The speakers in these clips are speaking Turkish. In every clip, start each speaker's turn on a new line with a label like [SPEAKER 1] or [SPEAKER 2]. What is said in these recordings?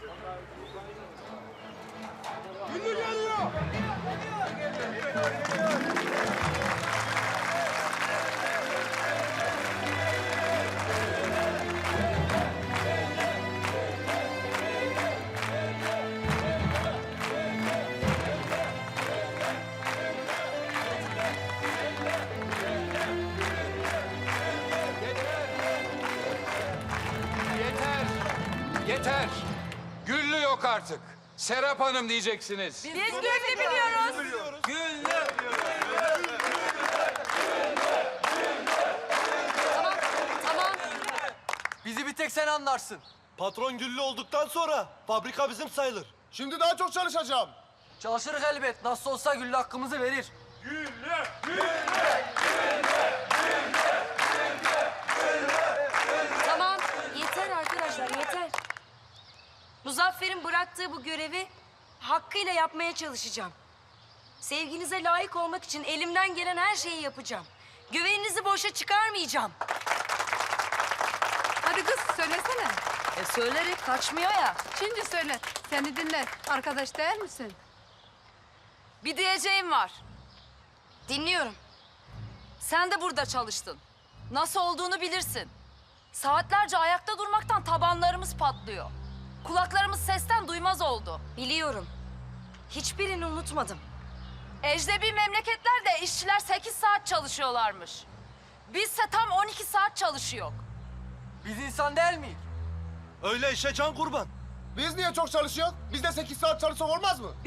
[SPEAKER 1] Güllü geliyor.
[SPEAKER 2] Yeter! Yeter! Güllü yok artık. Serap Hanım diyeceksiniz.
[SPEAKER 3] Biz Güllü biliyoruz. Tamam.
[SPEAKER 4] Bizi bir tek sen anlarsın.
[SPEAKER 5] Patron Güllü olduktan sonra fabrika bizim sayılır.
[SPEAKER 1] Şimdi daha çok çalışacağım.
[SPEAKER 4] Çalışırız elbet. Nasıl olsa Güllü hakkımızı verir.
[SPEAKER 3] Tamam. Yeter arkadaşlar, yeter. Muzaffer'in bıraktığı bu görevi hakkıyla yapmaya çalışacağım. Sevginize layık olmak için elimden gelen her şeyi yapacağım. Güveninizi boşa çıkarmayacağım.
[SPEAKER 6] Hadi kız söylesene.
[SPEAKER 3] Söylerim, kaçmıyor ya.
[SPEAKER 6] Şimdi söyle. Seni dinler. Arkadaş değil misin?
[SPEAKER 3] Bir diyeceğim var. Dinliyorum. Sen de burada çalıştın. Nasıl olduğunu bilirsin. Saatlerce ayakta durmaktan tabanlarımız patlıyor. Kulaklarımız sesten duymaz oldu. Biliyorum. Hiçbirini unutmadım. Ecnebi memleketlerde işçiler 8 saat çalışıyorlarmış. Bizse tam 12 saat çalışıyor.
[SPEAKER 4] Biz insan değil miyiz?
[SPEAKER 5] Öyle işe can kurban.
[SPEAKER 1] Biz niye çok çalışıyoruz? Biz de 8 saat çalışsak olmaz mı?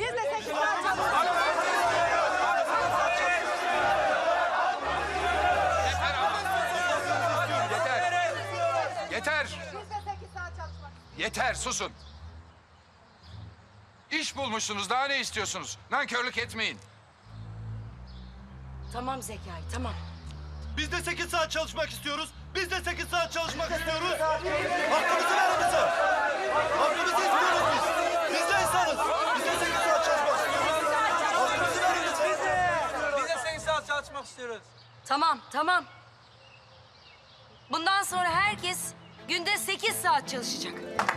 [SPEAKER 2] Yeter! Yeter! Yeter, susun. İş bulmuşsunuz, daha ne istiyorsunuz? Nankörlük etmeyin.
[SPEAKER 3] Tamam Zekai, tamam.
[SPEAKER 5] Biz de 8 saat çalışmak istiyoruz. Biz de 8 saat çalışmak istiyoruz. Hakkımızı verin bize. Hakkımızı istiyoruz biz. Biz de insanız. Biz de 8 saat çalışmak istiyoruz. Hakkımızı verin bize.
[SPEAKER 4] Biz de 8 saat çalışmak istiyoruz.
[SPEAKER 3] Tamam. Bundan sonra herkes günde 8 saat çalışacak.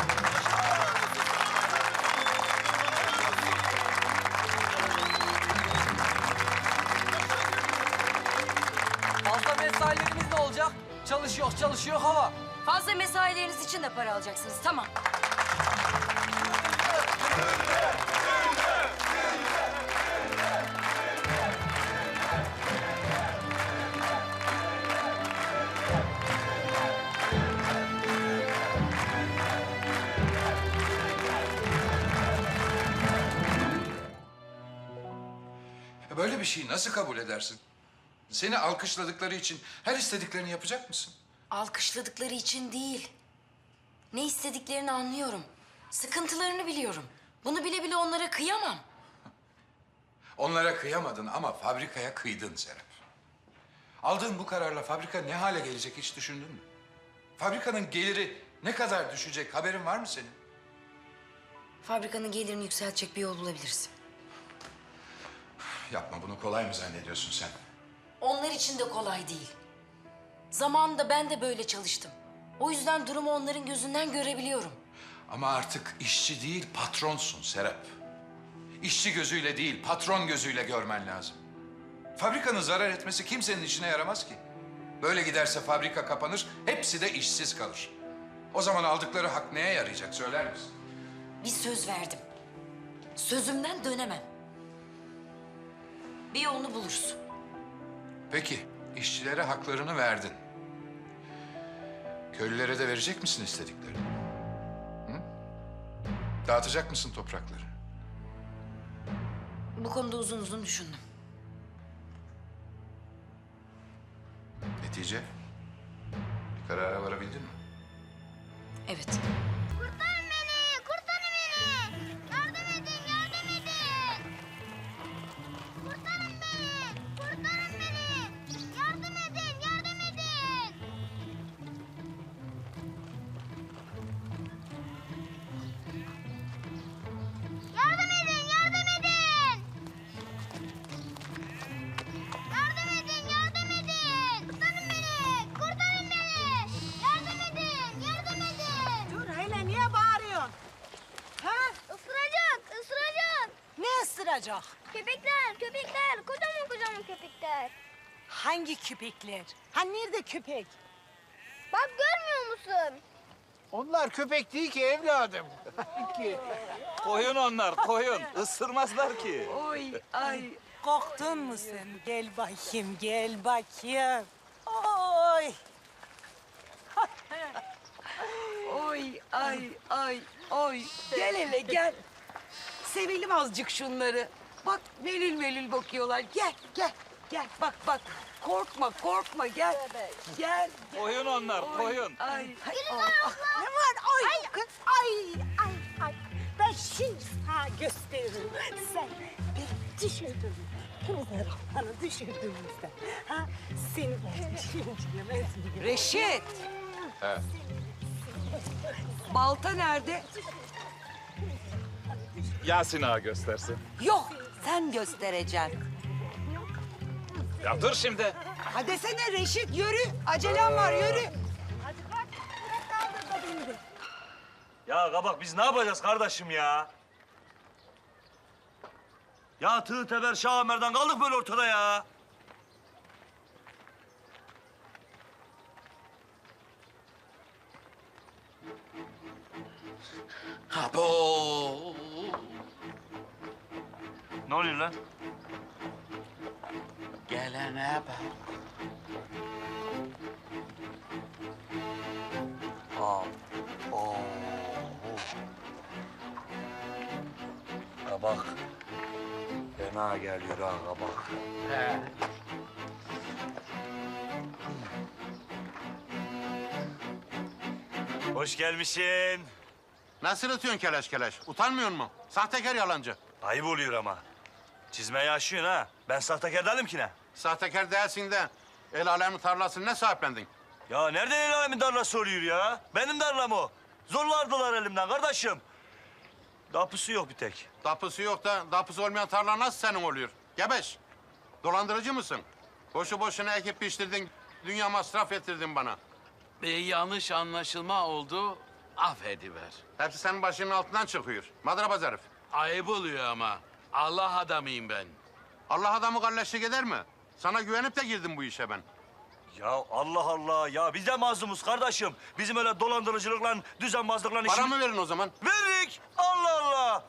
[SPEAKER 4] Fazla mesailerimiz ne olacak? Çalışıyor hava.
[SPEAKER 3] Fazla mesaileriniz için de para alacaksınız, tamam.
[SPEAKER 2] Böyle bir şeyi nasıl kabul edersin? Seni alkışladıkları için her istediklerini yapacak mısın?
[SPEAKER 3] Alkışladıkları için değil. Ne istediklerini anlıyorum. Sıkıntılarını biliyorum. Bunu bile bile onlara kıyamam.
[SPEAKER 2] Onlara kıyamadın ama fabrikaya kıydın Serap. Aldığın bu kararla fabrika ne hale gelecek hiç düşündün mü? Fabrikanın geliri ne kadar düşecek haberin var mı senin?
[SPEAKER 3] Fabrikanın gelirini yükseltecek bir yol bulabiliriz.
[SPEAKER 2] Yapma, bunu kolay mı zannediyorsun sen?
[SPEAKER 3] Onlar için de kolay değil. Zamanında ben de böyle çalıştım. O yüzden durumu onların gözünden görebiliyorum.
[SPEAKER 2] Ama artık işçi değil patronsun Serap. İşçi gözüyle değil patron gözüyle görmen lazım. Fabrikanın zarar etmesi kimsenin işine yaramaz ki. Böyle giderse fabrika kapanır, hepsi de işsiz kalır. O zaman aldıkları hak neye yarayacak söyler misin?
[SPEAKER 3] Bir söz verdim. Sözümden dönemem. Bir yolunu buluruz.
[SPEAKER 2] Peki, işçilere haklarını verdin. Köylülere de verecek misin istediklerini? Hı? Dağıtacak mısın toprakları?
[SPEAKER 3] Bu konuda uzun uzun düşündüm.
[SPEAKER 2] Netice? Bir karara varabildin mi?
[SPEAKER 3] Evet.
[SPEAKER 7] Kurtarın beni! Kurtarın beni! Yardım edin! Yardım edin! Kurtarın beni! Kurtarın beni! Yardım edin! Yardım edin! Yardım edin! Yardım edin! Yardım edin! Yardım edin! Kurtarın beni! Kurtarın beni! Yardım edin! Yardım edin!
[SPEAKER 8] olacak?
[SPEAKER 7] Köpekler, köpekler. Kocaman kocaman köpekler.
[SPEAKER 8] Hangi köpekler? Ha nerede köpek?
[SPEAKER 7] Bak görmüyor musun?
[SPEAKER 1] Onlar köpek değil ki evladım.
[SPEAKER 5] Koyun onlar, koyun. Isırmazlar ki.
[SPEAKER 8] Oy ay korktun mu sen? Gel bakayım gel bakayım. Oy. Oy ay ay oy. Gel hele gel. Sevelim azıcık şunları. Bak melül melül bakıyorlar. Gel gel gel bak bak. Korkma korkma gel. Gel.
[SPEAKER 5] Koyun onlar, koyun.
[SPEAKER 8] Ay. Ne var? Ay. Kız, ay. Ay. Ben şimdi sana gösteririm. Sen beni düşürdün. Kızlar bana düşürdüğümüzde. Ha? Seni şimdi yemez miyim? Reşit. Balta nerede?
[SPEAKER 5] Yasin ağa göstersin.
[SPEAKER 8] Yok. Sen göstereceksin.
[SPEAKER 5] Ya dur şimdi.
[SPEAKER 8] Hadi desene Reşit yürü. Acelem var yürü. Hadi bak. Kaldır da beni de.
[SPEAKER 5] Ya kabak biz ne yapacağız kardeşim ya? Ya tığ teber Şah Ömer'den kaldık böyle ortada ya.
[SPEAKER 2] Abo!
[SPEAKER 5] Ne oluyor lan?
[SPEAKER 2] Gelene bak.
[SPEAKER 5] Kabak. Fena geliyor ha kabak. Hoş gelmişsin.
[SPEAKER 1] Nasıl atıyorsun keleş keleş? Utanmıyor musun? Sahtekar yalancı.
[SPEAKER 5] Ayıp oluyor ama. Çizmeyi aşıyorsun ha. Ben sahtekar değilim ki ne?
[SPEAKER 1] Sahtekar değilsin de el alemin tarlasını ne sahiplendin?
[SPEAKER 5] Ya nereden el alemin tarlası oluyor ya? Benim tarlam o. Zorlardılar elimden kardeşim. Dapusu yok bir tek.
[SPEAKER 1] Dapusu yok da dapusu olmayan tarla nasıl senin oluyor? Gebeş. Dolandırıcı mısın? Boşu boşuna ekip piştirdin, dünya masraf ettirdin bana.
[SPEAKER 9] Bir yanlış anlaşılma oldu, affediver.
[SPEAKER 1] Hepsi senin başının altından çıkıyor. Madrabaz herif.
[SPEAKER 9] Ayıp oluyor ama. Allah adamıyım ben.
[SPEAKER 1] Allah adamı kalleşlik eder mi? Sana güvenip de girdim bu işe ben.
[SPEAKER 5] Ya Allah Allah ya biz de mazlumuz kardeşim. Bizim öyle dolandırıcılıkla, düzenbazlıkla işimiz...
[SPEAKER 1] Paramı verin o zaman.
[SPEAKER 5] Verdik! Allah Allah!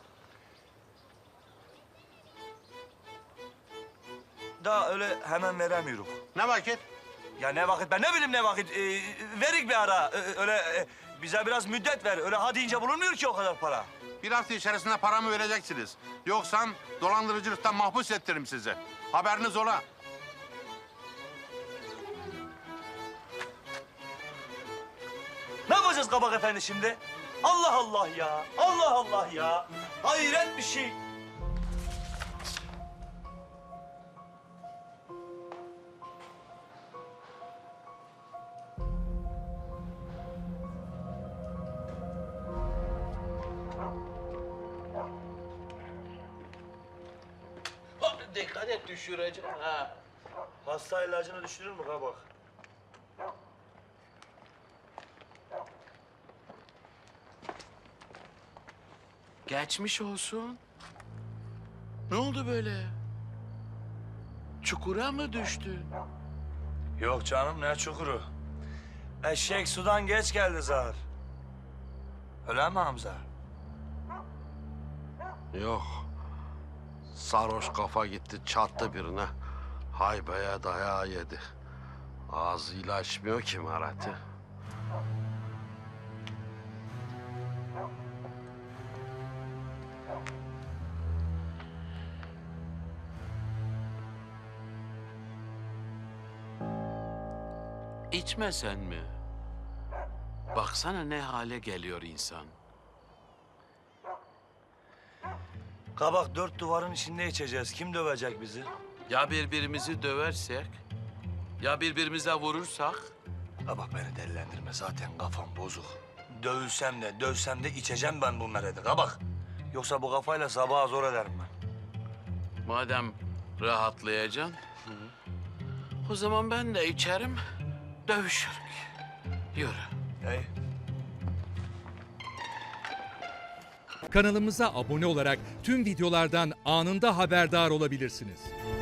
[SPEAKER 5] Daha öyle hemen veremiyoruz.
[SPEAKER 1] Ne vakit?
[SPEAKER 5] Ya ne vakit, ben ne bileyim ne vakit. Verik bir ara. Öyle bize biraz müddet ver. Öyle ha deyince bulunmuyor ki o kadar para.
[SPEAKER 1] Bir hafta içerisinde paramı vereceksiniz. Yoksa dolandırıcılıktan mahpus ettiririm sizi. Haberiniz ola.
[SPEAKER 5] Ne yapacağız Kabak Efendi şimdi? Allah Allah ya! Allah Allah ya! Hayret bir şey!
[SPEAKER 9] Dikkat et düşürecek ha.
[SPEAKER 5] Hasta ilacını düşürür mü Kabak?
[SPEAKER 9] Geçmiş olsun. Ne oldu böyle? Çukura mı düştün?
[SPEAKER 5] Yok canım ne çukuru. Eşek sudan geç geldi zar. Öyle mi Hamza?
[SPEAKER 10] Yok. Sarhoş kafa gitti çattı birine. Haybeye dayağı yedi. Ağzıyla açmıyor ki Marat'ı.
[SPEAKER 9] İçmesen mi? Baksana ne hale geliyor insan.
[SPEAKER 5] Kabak dört duvarın içinde içeceğiz. Kim dövecek bizi?
[SPEAKER 9] Ya birbirimizi döversek, ya birbirimize vurursak?
[SPEAKER 5] Kabak beni delilendirme. Zaten kafam bozuk. Dövülsem de, dövsem de içeceğim ben bunları dedi. Kabak. Yoksa bu kafayla sabaha zor ederim ben.
[SPEAKER 9] Madem rahatlayacaksın, o zaman ben de içerim, dövüşürük. Yürü.
[SPEAKER 5] Hey.
[SPEAKER 11] Kanalımıza abone olarak tüm videolardan anında haberdar olabilirsiniz.